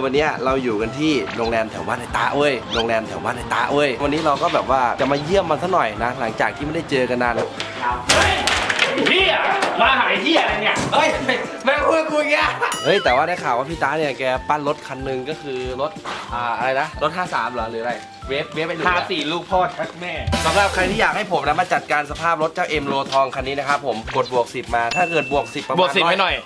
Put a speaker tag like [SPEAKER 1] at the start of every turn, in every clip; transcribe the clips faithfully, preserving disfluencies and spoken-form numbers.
[SPEAKER 1] วันนี้เราอยู่กันที่โรงแรมแถวบ้านไอ้ตาเว้ยโรงแรมแถวบ้านไอ้ตาเว้ยวันนี้เราก็แบบว่าจะมาเยี่ยมมันซะหน่อยนะหลังจากที่ไม่ได้เจอกันนานแล้ว
[SPEAKER 2] เฮ้ยพี่อะมาหายที่อะไรเนี่ย
[SPEAKER 1] เฮ้ยแม่งพูดกูแกเฮ้ยแต่ว่าได้ข่าวว่าพี่ตาเนี่ยแกปั้นรถคันหนึ่งก็คือรถอ่าอะไรนะรถห้าสามเหรอหรืออะไรเวฟเวฟไปหนึ่ง
[SPEAKER 2] พาสี่ลูกพ่อชักแม่
[SPEAKER 1] สำหรับใครที่อยากให้ผมนะมาจัดการสภาพรถเจ้าเอ็มโลทองคันนี้นะครับผมกดบวกสิบมาถ้าเกิดบวกสิบประมาณ
[SPEAKER 2] บวกสิบไว้หน่อย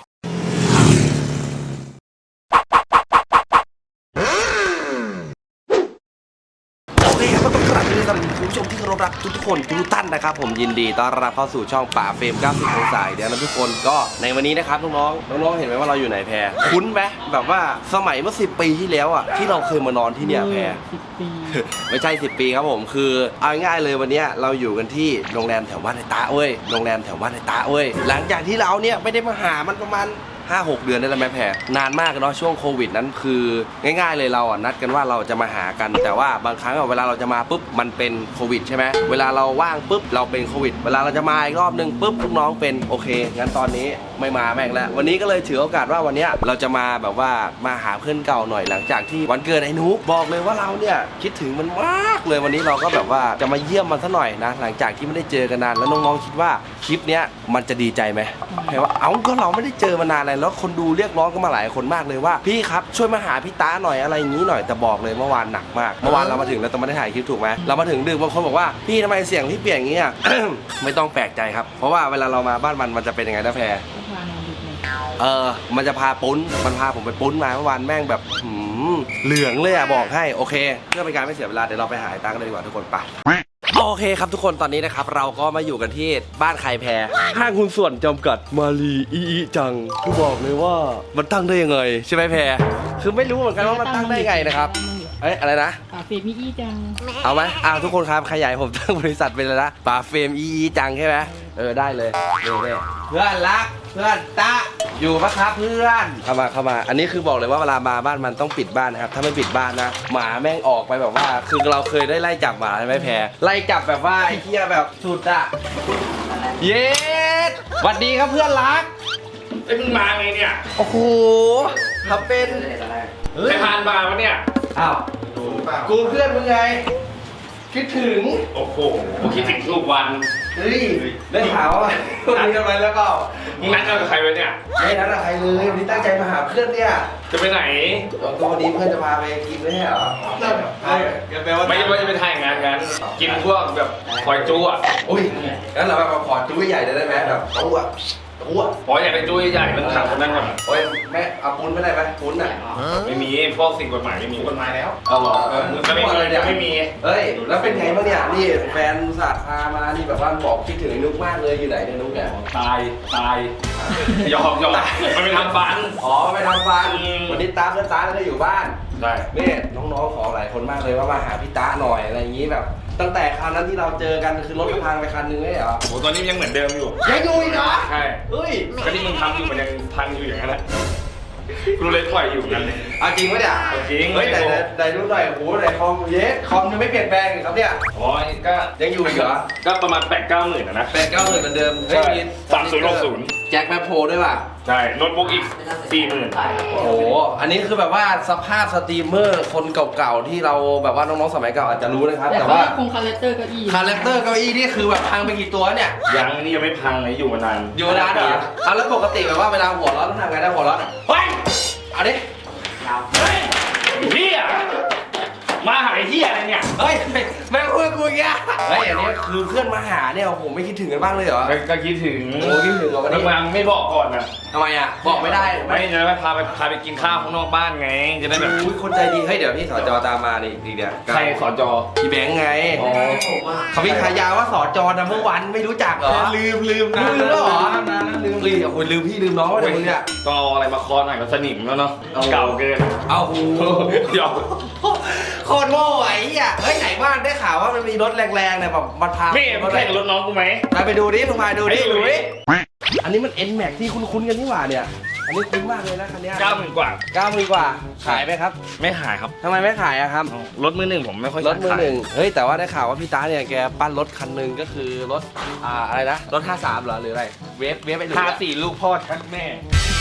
[SPEAKER 1] โอเคครับก็ต้องกราบสวัสดีคุณผู้ชมที่เคารพรักทุกๆคนทุกท่านนะครับผมยินดีต้อนรับเข้าสู่ช่องป่าเฟรมเก้าสิบองศาเดี๋ยวนะทุกคนก็ในวันนี้นะครับน้องๆน้องๆเห็นไหมว่าเราอยู่ไหนแพรคุ้นไหมแบบว่าสมัยเมื่อสิบปีที่แล้วอ่ะที่เราเคยมานอนที่เนี่ยแพรไม่ใช่สิบปีครับผมคือเอาง่ายๆเลยวันนี้เราอยู่กันที่โรงแรมแถวบ้านไอ้ตาเว้ยโรงแรมแถวบ้านไอ้ตาเว้ยหลังจากที่เราเนี่ยไม่ได้มาหามันประมาณห้าหกเดือนได้แล้วแม่แพรนานมากเนาะช่วงโควิดนั้นคือง่ายๆเลยเราอ่ะนัดกันว่าเราจะมาหากันแต่ว่าบางครั้งเวลาเราจะมาปุ๊บมันเป็นโควิดใช่ไหมเวลาเราว่างปุ๊บเราเป็นโควิดเวลาเราจะมาอีกรอบนึงปุ๊บลูกน้องเป็นโอเคงั้นตอนนี้ไม่มาแม่งแล้ววันนี้ก็เลยถือโอกาสว่าวันนี้เราจะมาแบบว่ามาหาเพื่อนเก่าหน่อยหลังจากที่วันเกิดไอ้นุ๊กบอกเลยว่าเราเนี่ยคิดถึงมันมากเลยวันนี้เราก็แบบว่าจะมาเยี่ยมมันซะหน่อยนะหลังจากที่ไม่ได้เจอกันนานแล้วน้องๆคิดว่าคลิปเนี้ยมันจะดีใจไหมแพรว่าเอ้าก็เราไม่ได้เจอมานานเลยแล้วคนดูเรียกร้องกันมาหลายคนมากเลยว่าพี่ครับช่วยมาหาพี่ตาหน่อยอะไรอย่างนี้หน่อยแต่บอกเลยเมื่อวานหนักมากเมื่อวานเรามาถึงแล้วต้องไม่ได้ถ่ายคลิปถูกไหมเรามาถึงดึกบางคนบอกว่าพี่ทำไมเสียงพี่เปลี่ยนอย่างนี้อ่ะ ไม่ต้องแปลกใจครับเพราะว่าเวลาเรามาบ้านมันมันจะเป็นยังไงนะแพรเออมันจะพาปุ้นมันพาผมไปปุ้นมาเมื่อวานแม่งแบบหืมเหลืองเลยอ่ะบอกให้โอเคเพื่อเป็นการไม่เสียเวลาเดี๋ยวเราไปหาไอ้ตากันเลยดีกว่าทุกคนไปโอเคครับทุกคนตอนนี้นะครับเราก็มาอยู่กันที่บ้านใครแพรห้างหุ้นส่วนจำกัดมาลีอีอีจังคือบอกเลยว่ามันตั้งได้ยังไงใช่ไหมแพรคือไม่รู้เหมือนกันว่ามันตั้งได้ไงนะครับเอ้ยอะไรนะ
[SPEAKER 3] ป่าเฟรมอีอีจัง
[SPEAKER 1] เอาไหมอ้าวทุกคนครับขยายผมตั้งบริษัทเป็นเลยนะป่าเฟรมอีอีจังใช่ไหมเออได้เลยเร็วๆเพื่อนรักเพื่อนตะอยู่ปะครับเพื่อนเข้ามาเข้ามาอันนี้คือบอกเลยว่าเวลามาบ้านมันต้องปิดบ้านนะครับถ้าไม่ปิดบ้านนะหมาแม่งออกไปแบบว่าคือเราเคยได้ไล่จับหมาใช่ไหมแพรไล่จับแบบว่าไอ้เหี้ยแบบสุดอะเย็ดสวัสดีครับเพื่อนรัก
[SPEAKER 2] ไอ้มึงมาไงเนี่ย
[SPEAKER 1] โอ้โหทำเป็น
[SPEAKER 2] ใครพานมาวะเนี่ย
[SPEAKER 1] อ้าวกูเพื่อนมึงไงคิดถึง
[SPEAKER 2] โอ้โหคิดถึงทุกวัน
[SPEAKER 1] เฮ้ยได้ข่าวว่านัดกันไปแล้วก็
[SPEAKER 2] มึงนัดกันกับใครไว้เนี่ย
[SPEAKER 1] ไม่นัดกับใครเลยวันนี้ตั้งใจมาหาเพื่อนเนี่ย
[SPEAKER 2] จะไปไหน
[SPEAKER 1] ตัววันนี้เพื่อนจะพาไปกินไม่ใช่เหรอ
[SPEAKER 2] ไม่ไม่จะไปถ่ายงานกันกินพวกแบบคอยจู้อ่ะ
[SPEAKER 1] อุ้ยงั้นเราแบบขอจู้ใหญ่ได้ไหมแบบจู้อ่ะจู้อ่ะ
[SPEAKER 2] พออยากได้จู้ใหญ่มันขังคนนั้นก่อน
[SPEAKER 1] โอ้ยแม่เอาปุ้นไม่ได้ไหมปุ้นอ่ะ
[SPEAKER 2] ไม่มีพวกสิ่งกฎหมายไม่มี
[SPEAKER 1] กฎหมายแล้ว
[SPEAKER 2] เอาหรอมันไม่มีไม่มี
[SPEAKER 1] เฮ้ยแล้วเป็นไงบ้างเนี่ยนี่แฟนศาสตร์พามานี่แบบว่าบอกคิดถึงนุ๊กมากเลยอยู่ไหนเนี่ยนุ๊กเนี่ย
[SPEAKER 2] ตายตายยอมยอมมันไปทำฟัน
[SPEAKER 1] อ๋อไปทำฟันวันนี้ตาเพื่อนตาแล้วก็อยู่บ้าน
[SPEAKER 2] ใช่
[SPEAKER 1] เนี่ยน้องๆขอหลายคนมากเลยว่ามาหาพี่ตาหน่อยอะไรอย่างนี้แบบตั้งแต่คราวนั้นที่เราเจอกันคือรถพังไปคันนึงไม่เหรอ
[SPEAKER 2] โหตอนนี้ยังเหมือนเดิมอยู่
[SPEAKER 1] ยังอยู่อีกเหรอ
[SPEAKER 2] ใช่
[SPEAKER 1] เฮ้ย
[SPEAKER 2] ก็ที่มึงทำอยู่มันยังพังอยู่อย่างนั้นแหละกูเลยถอยอยู่นั่นเลย
[SPEAKER 1] เอาจริงไหมเนี่ย
[SPEAKER 2] จริง
[SPEAKER 1] เฮ้ยแต่แต่ดูหน่อยโอ้โหแต่คอมเยสคอมยังไม่เปลี่ยนแปลงเลยครับเนี่ย
[SPEAKER 2] อ๋อก็
[SPEAKER 1] ยังอยู่อีกเหรอ
[SPEAKER 2] ก็ประมาณแปดเก้าหมื่นนะ
[SPEAKER 1] แปดเก้าหมื่นเหมือนเดิม
[SPEAKER 2] ใช่สามศูนย์หกศูนย์
[SPEAKER 1] แจ็คแมปโพด้วยป่ะ
[SPEAKER 2] ใช่โน้ตบุ๊กอีกสี่หมื่น
[SPEAKER 1] โอ้โหอันนี้คือแบบว่าสภาพสตรีมเมอร์คนเก่าๆที่เราแบบว่าน้องๆสมัยเก่าอาจจะรู้นะครับแต่ว่า
[SPEAKER 3] คงคาแรคเตอร์เก้าอี้
[SPEAKER 1] คาแรคเตอร์เก้าอี้นี่คือแบบพังไปกี่ตัวเนี่ย
[SPEAKER 2] ยังนี่ยังไม่พังเลยอยู่มานาน
[SPEAKER 1] อยู่มานานเหรอเอาแล้วปกติแบบว่าเวลาหัวร้อนต้องทำไงได้หัวร้อน
[SPEAKER 2] เฮ้ย
[SPEAKER 1] เอาดิ
[SPEAKER 2] เฮ้ยพี่อะมาหายที่อะไรเนี่ย
[SPEAKER 1] เฮ้ยแม่งพูดกูแกเฮ้ยอันนี้คือเพื่อนมาหาเนี่ยโอ้โหไม่คิดถึงกันบ้างเลยเหรอ
[SPEAKER 2] ก็คิดถึง
[SPEAKER 1] โอ้คิดถึงเหรอวันนี้
[SPEAKER 2] มาไม่บอกก่อนนะ
[SPEAKER 1] ทำไมอ่ะบอกไม่ได้
[SPEAKER 2] ไม่จะไปพาไปพาไปกินข้าวข้างนอกบ้านไงจะได้แบบ
[SPEAKER 1] คนใจดีเฮ้ยเดี๋ยวพี่สจตามมานี่อีกเดี๋ยว
[SPEAKER 2] ใครสจ
[SPEAKER 1] พี่แบงค์ไงเขาพี่ขายาว่าสจนัมเบอร์วันไม่รู้จักเหรอ
[SPEAKER 2] ลืมลืมนะ
[SPEAKER 1] ลืมแล้วเหรอลืมเลยโอ้ยลืมพี่ลืมน้องว่าเดี๋ยวมึงเนี่ย
[SPEAKER 2] ต้องเอาอะไรมาคอหน่อยก็สนิมแล้วเนาะเก่าเกิน
[SPEAKER 1] เอาโอ้ยโคตรโง่ไอ้เหี้ยเฮ้ยไหนบ้านได้ข่าวว่ามันมีรถแรงๆเนี่ยแบบมันพา
[SPEAKER 2] ไม่ไม่ใช่รถน้องกูไหม
[SPEAKER 1] ไปดูดิลงมาดูดิดูดิอันนี้มัน เอ็น แม็กซ์ ที่คุ้นๆกันนี่หว่าเนี่ยอันนี้คุ้นมากเลยนะคันนี้
[SPEAKER 2] เก้าหมื่นกว่า
[SPEAKER 1] เก้าหมื่นกว่าขายไหมครับ
[SPEAKER 2] ไม่ขายครับ
[SPEAKER 1] ทำไมไม่ขายอะครับ
[SPEAKER 2] รถมือหนึ่งผมไม่ค่อย
[SPEAKER 1] รถมือหนึ่งเฮ้ยแต่ว่าได้ข่าวว่าพี่ตาเนี่ยแกปั้นรถคันหนึ่งก็คือรถอ่าอะไรนะรถห้าสามเหรอหรืออะไรเวฟเวฟไปหนึ่ง
[SPEAKER 2] พาสี่ลูกพ่อชักแม่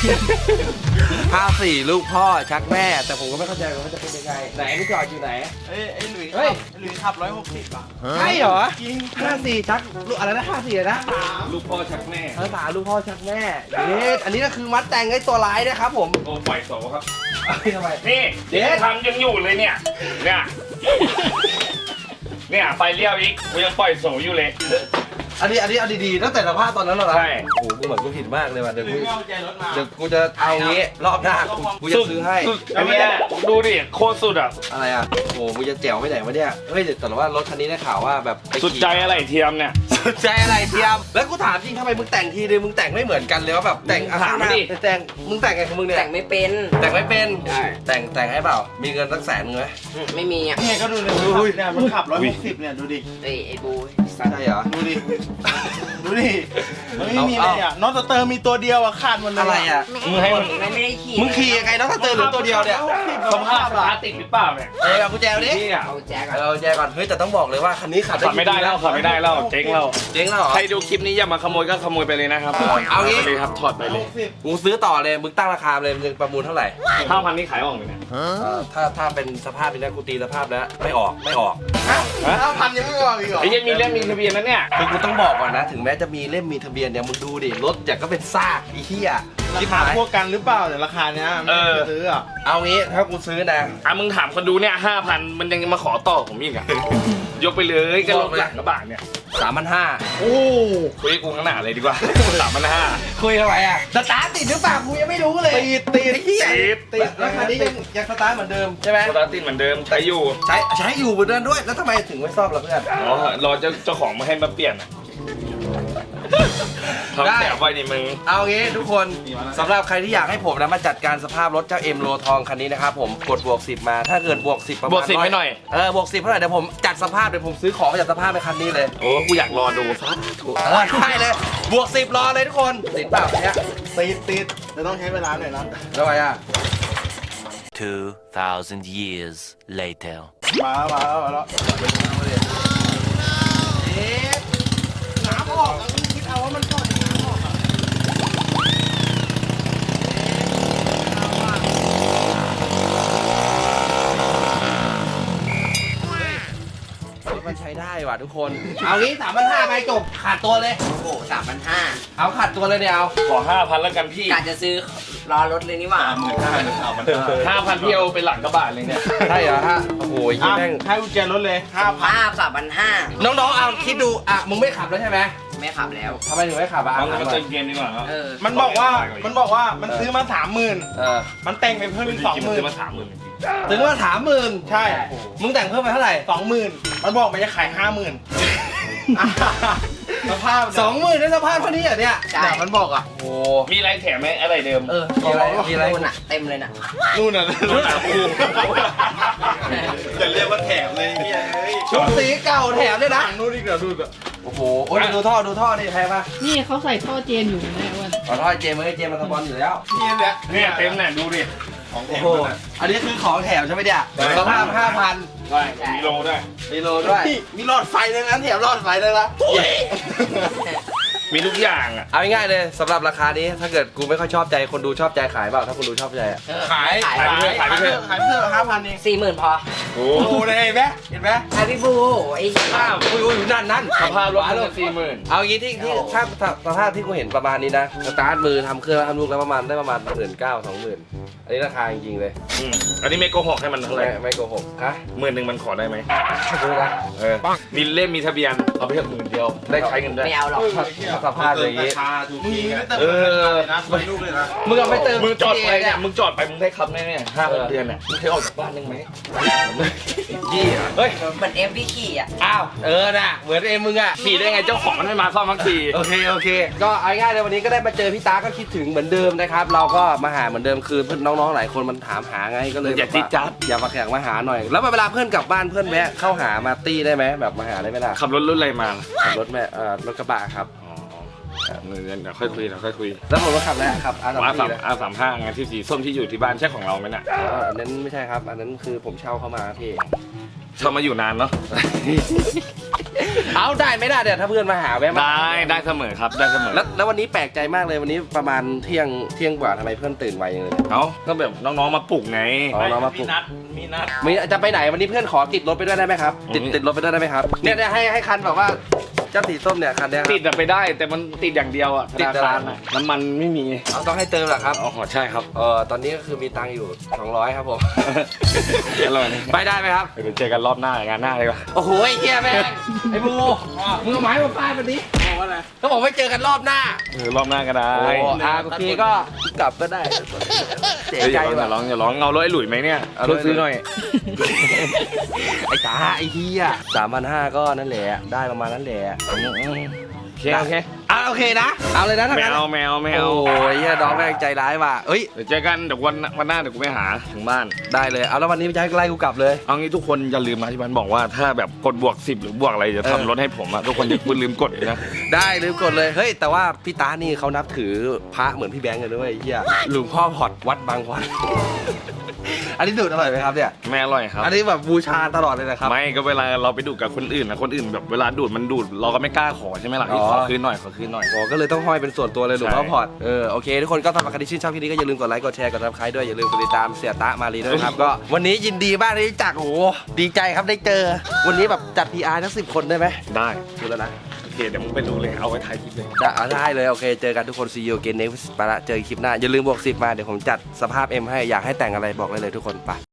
[SPEAKER 1] ห้าสี่ลูกพ่อชักแม่แต่ผมก็ไม่เข้าใจว่าจะเป็นยังไงไหนพี่จอดอยู่ไหน
[SPEAKER 4] เอ้ยไอ้หลุย
[SPEAKER 1] เฮ้ย
[SPEAKER 4] ไอ้หลุยขับร้อยหกสิบอ่ะ
[SPEAKER 1] ใช่เหรอ
[SPEAKER 4] จริง
[SPEAKER 1] ห้าสี่ชักลูกอะไรนะห้าสี่นะ
[SPEAKER 2] ลูกพ่อชักแม่
[SPEAKER 1] ภาษาลูกพ่อชักแม่เด็ดอันนี้ก็คือมัดแต่งไอ้ตัวร้ายนะครับผม
[SPEAKER 2] โอ้ปล่อยโสครับ
[SPEAKER 1] เอาไปทำไม
[SPEAKER 2] นี่
[SPEAKER 1] เด็ด
[SPEAKER 2] ทำยังอยู่เลยเนี่ย เนี่ย เนี่ยไฟเลี้ยวอีกกูยังปล่อยโสอยู่เลย
[SPEAKER 1] อันนี้อันนี้เอาดีๆตั้งแต่สภาพตอนนั้นแล้วเหรอ
[SPEAKER 2] ใช่
[SPEAKER 1] โอ้โหกูเหมือนกูผิดมากเลยว่ะเดี๋ยว
[SPEAKER 4] หลุ
[SPEAKER 1] กู
[SPEAKER 4] ยไม่เอาใจรถมา
[SPEAKER 1] เดี๋ยวกูจะเอางี้รอบหน้ากูกูจะซื้อให้
[SPEAKER 2] สุดอันเนี้ยดูดิโคตรสุดอ่ะ
[SPEAKER 1] อะไรอ่ะโอ้โหกูจะแจ๋วไปไหนวะเนี่ยเฮ้ยแต่ว่ารถคันนี้ได้ข่าวว่าแบบไปขี่
[SPEAKER 2] สุดใจอะไรเทียมเนี่ย
[SPEAKER 1] สุดใจอะไรเทียมแล้วกูถามจริงทำไมมึงแต่งทีนึงมึงแต่งไม่เหมือนกันเลยว่าแบบแต่งอ่ะ
[SPEAKER 2] ถาม
[SPEAKER 1] ข้างหน้า
[SPEAKER 2] ดิ
[SPEAKER 1] แต่งมึงแต่งไงของมึงเนี่ย
[SPEAKER 5] แต่งไม่เป็น
[SPEAKER 1] แต่งไม่เป็น
[SPEAKER 5] ใช่
[SPEAKER 1] แต่งแต่งให้เปล่ามีเงินสักแสนนึงไหม
[SPEAKER 5] ไม่มีอ่ะ
[SPEAKER 4] เนี่ยก็ดูเลยเนี่ยมันขับร้อยหกสิบเนี่ยดูดิ
[SPEAKER 5] ไอ้ไอ้บู
[SPEAKER 1] ใช่เหรอ
[SPEAKER 4] ดูดิ ดูดิมันไม่มีอะไรอ่ะน็อตสเตอร์มีตัวเดียวอ่ะขาดหมดเลย
[SPEAKER 1] อะไรอ่ะ
[SPEAKER 2] มึงให้มัน
[SPEAKER 5] ไม่ไม่ได้ขี่
[SPEAKER 1] มึงขี่ยังไงน้องถ้าเจอหรือตัวเดียวเนี่ย
[SPEAKER 2] สภาพสตาร์ทติดหรือเปล่าเนี่ย
[SPEAKER 1] เออเอากุญแจมาดิ
[SPEAKER 2] นี่อ่ะ
[SPEAKER 5] เอาแจ็คอะ
[SPEAKER 1] เอากุญแจก่อนเฮ้ยแต่ต้องบอกเลยว่าคันนี้ขับ
[SPEAKER 2] ขับไม่ได้แล้วขับไม่ได้แล้วเจ๊งแล้ว
[SPEAKER 1] เจ๊งแล้วเหรอ
[SPEAKER 2] ใครดูคลิปนี้อย่ามาขโมยก็ขโมยไปเลยนะครับ
[SPEAKER 1] เอางี้
[SPEAKER 2] ไปเลยครับถอดไปเลย
[SPEAKER 1] กูซื้อต่อเลยมึงตั้งราคาเลยมึงประมูลเท่าไหร่
[SPEAKER 2] ห้าพันนี่ขายออกเลยเนี่ย
[SPEAKER 1] เออถ้าถ้าเป็นสภาพนี้นะกูตีสภาพแล้วไม่ออกไม่ออก
[SPEAKER 4] ห้าพันยังไม่ออกอีกเหรอ
[SPEAKER 2] ไอ้ยังมีเล่มมีทะเบียนนะเนี่ย
[SPEAKER 1] คือกูต้องบอกก่อนนะ ถึงแม้จะมีเล่มมีทะเบียนเนี่ยมึงดูดิรถจากก็เป็นซากไอ้เหี้ย
[SPEAKER 4] รา
[SPEAKER 1] คิด
[SPEAKER 4] คา
[SPEAKER 1] หาย
[SPEAKER 4] พวกกันหรือเปล่าแต่ราคาเนี้ยไม่ได้ซื้ออ่ะ
[SPEAKER 1] เอางี้ถ้ากูซื้อนะ
[SPEAKER 2] อ่ะมึงถามคนดูเนี่ยห้าพันมันยังมาขอต่อผมอีกอ่ะ ยกไปเลยก็ลดหลังกระบะเนี่ย
[SPEAKER 1] สามพันห้า
[SPEAKER 4] โอ้
[SPEAKER 2] คุยกับกูข้างหน้าเลยดีกว่า สามพันห้า
[SPEAKER 1] คุยทำไมอ่ะสตาร์ทติดหรือเปล่ากูยังไม่รู้เลย
[SPEAKER 4] ติดติด
[SPEAKER 1] ไอ้เหี้ย
[SPEAKER 2] ติด
[SPEAKER 1] ติดแล้วคันนี้ยังยังสตาร์ทเหมือนเดิมใช่ไหม
[SPEAKER 2] สตาร์ทติดเหมือนเดิมใช้อยู่
[SPEAKER 1] ใช้ใช้อยู่เหมือนเดิมด้วยแล้วทำไมถึงไม่ซ่อมล่ะเพื่อน
[SPEAKER 2] อ๋อรอเจ้าเจ้าของมาให้มาเปลี่ยนอ่ะทำแสบไว้นี่มึง
[SPEAKER 1] เอางี้ทุกคนสำหรับใครที่อยากให้ผมนะมาจัดการสภาพรถเจ้าเอ็มโลทองคันนี้นะครับผมกดบวกสิบมาถ้าเกิดบวกสิบประมาณ
[SPEAKER 2] บวกสิบให้หน่อย
[SPEAKER 1] เออบวกสิบเท่าไหร่เดี๋ยวผมจัดสภาพเดี๋ยวผมซื้อของมาจัดสภาพในคันนี้เลย
[SPEAKER 2] โอ้กูอยากรอดูซะถูก
[SPEAKER 1] เออได้เลยบวกสิบรอเลยทุกคนติดเปล่าเนี่ย
[SPEAKER 4] ติดติดแต่ต้องใช้เวลาหน่อยนะ
[SPEAKER 1] ทำไมอ่ะ
[SPEAKER 6] Two thousand years later.
[SPEAKER 4] มาแล้วมาแล้วมาแล้ว
[SPEAKER 1] เอ๊ะน้ำออกแล้วคิดเอาว่ามันก่อนน้ำออกอ่ะมันใช้ได้ว่ะทุกคน เอางี้สามพันห้าไปจบขาดตัวเลย
[SPEAKER 5] โอ้โหสามพันห้า
[SPEAKER 1] เอาขาดตัวเลยเนี่ยเอา
[SPEAKER 2] ขอห้าพันแล้วกันพี่
[SPEAKER 5] กะจะซื้อรอรถเลยนี่หว่า
[SPEAKER 2] ห้าพันพี่เอาไปหลังกระบะเลยเนี่ย
[SPEAKER 1] ใช่เหรอฮะ โอ้โหยิ่ง
[SPEAKER 4] อ่ะ
[SPEAKER 1] แม่ง
[SPEAKER 4] ให้กุญแจรถเลยห้าพัน
[SPEAKER 5] ภาพสามพันห้า
[SPEAKER 1] น้องๆ เอาคิดดู อ่ะ มึงไม่ขับแล้วใช่ไหม
[SPEAKER 5] ไม่ขับแล้ว
[SPEAKER 1] ทำไมถึงไม่ขับอ่ะ
[SPEAKER 2] เอา
[SPEAKER 1] ถาม
[SPEAKER 2] มา
[SPEAKER 1] หน่
[SPEAKER 2] เติ
[SPEAKER 1] อย
[SPEAKER 2] มเกมดีกว่าครับ
[SPEAKER 5] เออ
[SPEAKER 4] มันบอกว่ามันบอกว่ามันซื้อมาสามหมื่น
[SPEAKER 1] เออ
[SPEAKER 4] มันแต่งไปเพิ่มอีกสองหมื่น
[SPEAKER 2] ซื้อมาสามหมื่น
[SPEAKER 1] ถึงว่าถามหมื่น
[SPEAKER 4] ใช่
[SPEAKER 1] มึงแต่งเพิ่มไปเท่าไหร่
[SPEAKER 4] สองหมื่นมันบอกมันจะขายห้าหมื่นสภาพ
[SPEAKER 1] สองหมื่นได้สภาพเท่านี้เหรอเนี่ย
[SPEAKER 5] ใช่
[SPEAKER 4] เนี่ยมันบอกอ่ะ
[SPEAKER 1] โอ้
[SPEAKER 2] มีอะไรแถมไหมอะไรเดิม
[SPEAKER 1] เออ มีอะไร มีอะไร
[SPEAKER 5] นู่นน่ะเต็มเลยน่ะ
[SPEAKER 4] นู่นน่ะ
[SPEAKER 2] นู่นน่ะกู
[SPEAKER 4] จะเรียกว่าแถมเลยเนี่ยเฮ้ย
[SPEAKER 1] ชุดสีเก่าแถมด้วยนะ
[SPEAKER 4] ฝั่งนู่นอีกเดี๋ยวดูอ่ะ
[SPEAKER 1] โอ้โห โอ้ยดูท่อ ดูท่อดิแพงปะ
[SPEAKER 3] นี่เขาใส่ท่อเจนอยู่นะอ้วัน
[SPEAKER 1] ขอท่อเจมส์เอ้ยเจมส์มาสปอนอยู่แล้ว
[SPEAKER 4] เนี่ยแหละ
[SPEAKER 2] เนี่ยเต็มเนี่ยดูดิ
[SPEAKER 4] ของแถ
[SPEAKER 1] โอ้
[SPEAKER 4] ม
[SPEAKER 1] โห
[SPEAKER 4] มันอะ
[SPEAKER 1] อันนี้คือของแถมใช่ไหมเนี่ยสภาพห้าพัน
[SPEAKER 2] ได้มีโลด้วย
[SPEAKER 1] มีโลด้วย
[SPEAKER 4] มีหลอดไฟเลยนะแถมหลอดไฟเลยละ
[SPEAKER 2] มีทุกอย่างอ่ะ
[SPEAKER 1] เอาง่ายๆเลยสำหรับราคานี้ถ้าเกิดกูไม่ค่อยชอบใจคนดูชอบใจขายเปล่าถ้าคนดูชอบใจอะ
[SPEAKER 4] ขาย
[SPEAKER 5] ขาย
[SPEAKER 4] ขาย
[SPEAKER 2] ขายไปเถอะ
[SPEAKER 4] ขายไปเถอะห้าพันเอง
[SPEAKER 5] สี่หมื่นพอ
[SPEAKER 2] โอ้
[SPEAKER 4] โอ้โหเลยเห็นไหมเห็นไหม
[SPEAKER 5] ไอพี่บูไอ้
[SPEAKER 2] ภาพ
[SPEAKER 1] อุ้ยอุ้ยนั่นนั่น
[SPEAKER 2] สภาพรถมันสี่หมื่น
[SPEAKER 1] เอางี้ที่ที่ถ้าถ้าสภาพที่กูเห็นประมาณนี้นะสตาร์ทมือทำเครื่องทำลูกแล้วประมาณได้ประมาณหมื่นเก้าสองหมื่นอันนี้ราคาจริงๆเลย
[SPEAKER 2] อืมอันนี้ไม่โกหกให้มันเท่าไห
[SPEAKER 1] ไม่
[SPEAKER 2] ร่
[SPEAKER 1] ไม่โกหกฮะ
[SPEAKER 2] หมื่นหนึ่งมันขอได้ไหม
[SPEAKER 1] ไม่รู้นะ
[SPEAKER 2] เออ มีเล่มมีทะเบียน เอาไปเถอะหมื่นเดียว ได้ใช้เงินด้วย
[SPEAKER 5] ไม่เอาหรอก
[SPEAKER 1] ถ้าสภาพอย่างนี้
[SPEAKER 4] มึงไม่เติม
[SPEAKER 2] เออ
[SPEAKER 4] นะสวยลูกเลยนะ
[SPEAKER 1] มึงเอาไปเติม
[SPEAKER 2] มึงจอดไป
[SPEAKER 1] เนี่
[SPEAKER 2] เนี่ย ย มึงจอดไปมึงได้ครับแน่ๆห้าเดือนเนี่ยมึงเคยออกจากบ้านยังไหม
[SPEAKER 1] ยี่อ่ะ
[SPEAKER 2] เฮ้ย
[SPEAKER 5] เหมือนเอ็มพี่ขี่อ่ะ
[SPEAKER 1] อ้าวเออน่ะเหมือนเอ็มมึงอ่ะ
[SPEAKER 2] ขี่ได้ไงเจ้าของมันไม่มาซ่อมทั้งที
[SPEAKER 1] โอเคโอเค ก็เอาง่ายๆเลยวันนี้ก็ได้มาเจอพี่ตาก็คิดถึงเหมือนเดิมนะครับเราก็มาหาเหมือนเดิมคือเพื่อนน้องๆหลายคนมันถามหาไงก็เลย
[SPEAKER 2] อย่าจิ๊ดจ๊าด
[SPEAKER 1] อย่ามาแข่งมาหาหน่อย แล้วเวลาเพื่อนกลับบ้านเพื่อนแวะเข้าหามาตี้ได้ไหมแบบมาหาได้ไหมล่ะ
[SPEAKER 2] ขับรถรุ่นอะไรมา
[SPEAKER 1] ขับรถแม่เอ่อรถกระบะครับ
[SPEAKER 2] อ๋อเดี๋ยวเดี๋ยวค่อยคุยเดี๋ยวค่อยคุย
[SPEAKER 1] แล้วผมก็ขับแล้วครับอาร์
[SPEAKER 2] อา
[SPEAKER 1] สา
[SPEAKER 2] สาม ม
[SPEAKER 1] เลย
[SPEAKER 2] อาสามห้างานที่สีส้มที่อยู่ที่บ้านใช่ของเราไหมน่ะ
[SPEAKER 1] อันนั้นไม่ใช่ครับ อันนั้นคือผมเช่าเข้ามาพี่
[SPEAKER 2] ชอบมาอยู่นานเนาะ
[SPEAKER 1] เอาได้ไหมล่ะเดี๋ยวถ้าเพื่อนมาหาแวะมา
[SPEAKER 2] ได้ได้เสมอครับได้เสมอ
[SPEAKER 1] แล้วแล้ววันนี้แปลกใจมากเลยวันนี้ประมาณเที่ยงเที่ยงกว่าทำไมเพื่อนตื่นไวอย่างเลย
[SPEAKER 2] เอ้าก็แบบน้องๆมาปลุกไง
[SPEAKER 1] อ๋อน้องมาปลุ
[SPEAKER 4] มี
[SPEAKER 1] ก
[SPEAKER 4] นัดมีนัด
[SPEAKER 1] มีจะไปไหนวันนี้เพื่อนขอติดรถไปด้วยได้ไหมครับติด
[SPEAKER 2] อืม
[SPEAKER 1] ติดรถไปด้วยได้ไหมครับเนี่ยเนี่ยให้ให้คันแบบว่าเจ้าสีส้มเนี่ยคันเนี้ยครับ
[SPEAKER 2] ติดอะไปได้แต่มันติดอย่างเดียวอะธ
[SPEAKER 1] ติด
[SPEAKER 2] นา
[SPEAKER 1] อะไร
[SPEAKER 2] คารอะน้ำมันไม่มี
[SPEAKER 1] เอาต้องให้เติมเหรอครับ
[SPEAKER 2] อ๋อใช่ครับ
[SPEAKER 1] เออตอนนี้ก็คือมีตังค์อยู่สองร้อยครับผม
[SPEAKER 2] อร่อยนี่
[SPEAKER 1] ไปได้ไหมครับ
[SPEAKER 2] เดี๋ยวเจอกันรอบหน้างานหน้าเลยว่ะ
[SPEAKER 1] โอ้โหไอ้เหี้ยแม่งไอ้บูมึงเอาไม้มาฟาดมันดิ
[SPEAKER 4] บอกว่าอะไร
[SPEAKER 1] เขาบอกไม่เจอกันรอบหน้า
[SPEAKER 2] เออรอบหน้าก็ได้
[SPEAKER 1] โอ้อาโอเคก็กลับก็ได้เสีย
[SPEAKER 2] เฮ้ยอ
[SPEAKER 1] ใจ
[SPEAKER 2] ย่า
[SPEAKER 1] ว่ะ
[SPEAKER 2] ร้องอย่าร้องเอารถไอ้หลุยไหมเนี่ย
[SPEAKER 1] เอาร
[SPEAKER 2] ร
[SPEAKER 1] ถ
[SPEAKER 2] ถซื้อหน่อย
[SPEAKER 1] ไอ้ตาไอ้เฮียสามพันห้าก็นั่นแหละได้ประมาณนั้นแหละ
[SPEAKER 2] โอเคโอเค
[SPEAKER 1] อ่ะโอเคนะเอาเลยนะทั้ง
[SPEAKER 2] แม
[SPEAKER 1] นั้น
[SPEAKER 2] วแมวแมว
[SPEAKER 1] โอ้ยเฮียน้องแม่งใจร้ายว่ะเอ้ย
[SPEAKER 2] เดี๋ยวเจอกันเดี๋ยววันวันหน้าเดี๋ยวกูไปหาถึงบ้าน
[SPEAKER 1] ได้เลยเอาแล้ววันนี้จะให้ไล่กูกลับเลย
[SPEAKER 2] เอางี้ทุกคนอย่าลืมนะที่มันบอกว่าถ้าแบบกดบวกสิบหรือบวกอะไรจะ
[SPEAKER 1] เออ
[SPEAKER 2] ทำรถให้ผมอะทุกคนอย่าคุณลืมกดเลยนะ
[SPEAKER 1] ได้ลืมกดเลยเฮ้ยแต่ว่าพี่ตานี่เขานับถือพระเหมือนพี่แบงค์เลยด้วยไอ้เฮียหลวงพ่อพอดวัดบางพอด อันนี้ดูดอร่อยไหมครับเนี่ย
[SPEAKER 2] ไม่อร่อยครับ
[SPEAKER 1] อันนี้แบบบูชาตลอดเลยนะครับ
[SPEAKER 2] ไม่ก็เวลาเราไปดูดกับคนอื่นนะคนอื่นแบบเวลาดูดมันดูดเราก็ไม่กล้าขอใช่ไหมล่ะ
[SPEAKER 1] อ๋อ
[SPEAKER 2] ขอคืนหน่อยขอคืนหน่อย
[SPEAKER 1] โอ้ก็เลยต้องห้อยเป็นส่วนตัวเลยหลวงพ่อ
[SPEAKER 2] ใช่
[SPEAKER 1] พอดเออโอเคทุกคนก็สำหรับใครที่ชื่นชอบคลิปนี้ก็อย่าลืมกดไลค์กดแชร์กดซับสไครต์ด้วยอย่าลืมกดติดตามเสียตะมารีด้วยนะครับ ก็วันนี้ยินดีมากที่ได้จักโอ้โหดีใจครับได้เจอ วันนี้แบบจัด พี อาร์ ทั้งสิบคนได้ไหม
[SPEAKER 2] ได้
[SPEAKER 1] ดูแล้วนะ
[SPEAKER 2] โอเคเดี๋ยวมึงไปดูเลยเอาไว้ถ่ายคลิปเลย
[SPEAKER 1] ได้อ่ะได้เลยโอเคเจอกันทุกคน see you again next ไปละเจอกันคลิปหน้าอย่าลืมบวกสิบมาเดี๋ยวผมจัดสภาพ M ให้อยากให้แต่งอะไรบอกได้เลยทุกคนไป